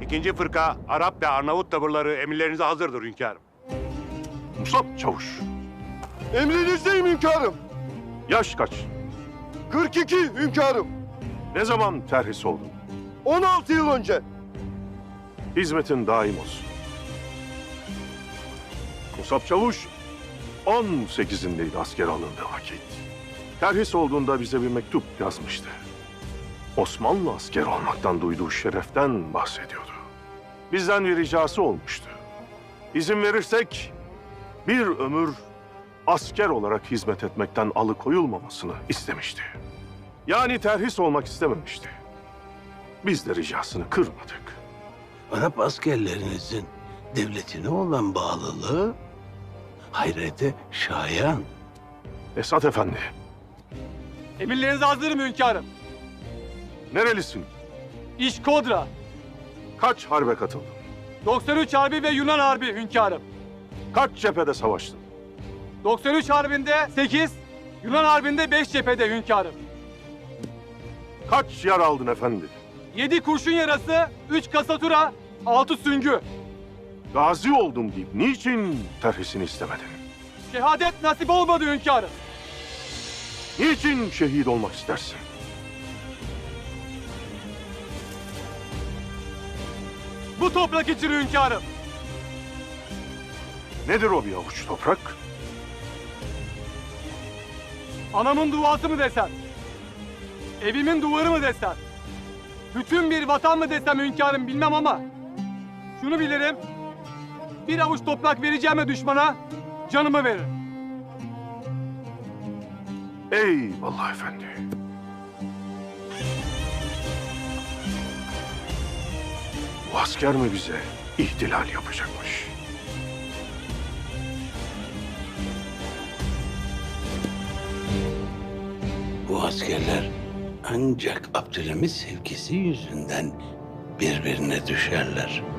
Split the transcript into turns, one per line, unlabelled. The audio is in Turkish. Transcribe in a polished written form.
İkinci fırka Arap ve Arnavut tavırları emirlerinize hazırdır hünkârım.
Musab Çavuş,
Emrinizdeyim hünkârım.
yaş kaç?
42 hünkârım.
Ne zaman terhis oldun?
16 yıl önce.
Hizmetin daim olsun. Musab Çavuş, 18'indeydi asker alındığı vakit. Terhis olduğunda bize bir mektup yazmıştı. Osmanlı asker olmaktan duyduğu şereften bahsediyordu. Bizden bir ricası olmuştu. İzin verirsek bir ömür asker olarak hizmet etmekten alıkoyulmamasını istemişti. Yani terhis olmak istememişti. Biz de ricasını kırmadık.
Arap askerlerinizin devletine olan bağlılığı hayrete şayan.
Esat Efendi,
Emirlerinize hazırım hünkârım.
nerelisin?
İşkodra,
Kaç harbe katıldın?
93 Harbi ve Yunan Harbi hünkârım.
Kaç cephede savaştın?
93 Harbi'nde 8, Yunan Harbi'nde 5 cephede hünkârım.
Kaç yara aldın efendi?
7 kurşun yarası, 3 kasatura, 6 süngü.
Gazi oldum deyip niçin terhisini istemedin?
Şehadet nasip olmadı hünkârım.
Niçin şehit olmak istersin?
Bu toprak için hünkârım.
Nedir o bir avuç toprak?
Anamın duası mı desem? Evimin duvarı mı desem? Bütün bir vatan mı desem hünkârım bilmem ama şunu bilirim. Bir avuç toprak vereceğime düşmana canımı veririm.
Eyvallah efendi. Bu asker mi bize ihtilal yapacakmış?
Bu askerler ancak Abdülhamit sevgisi yüzünden birbirine düşerler.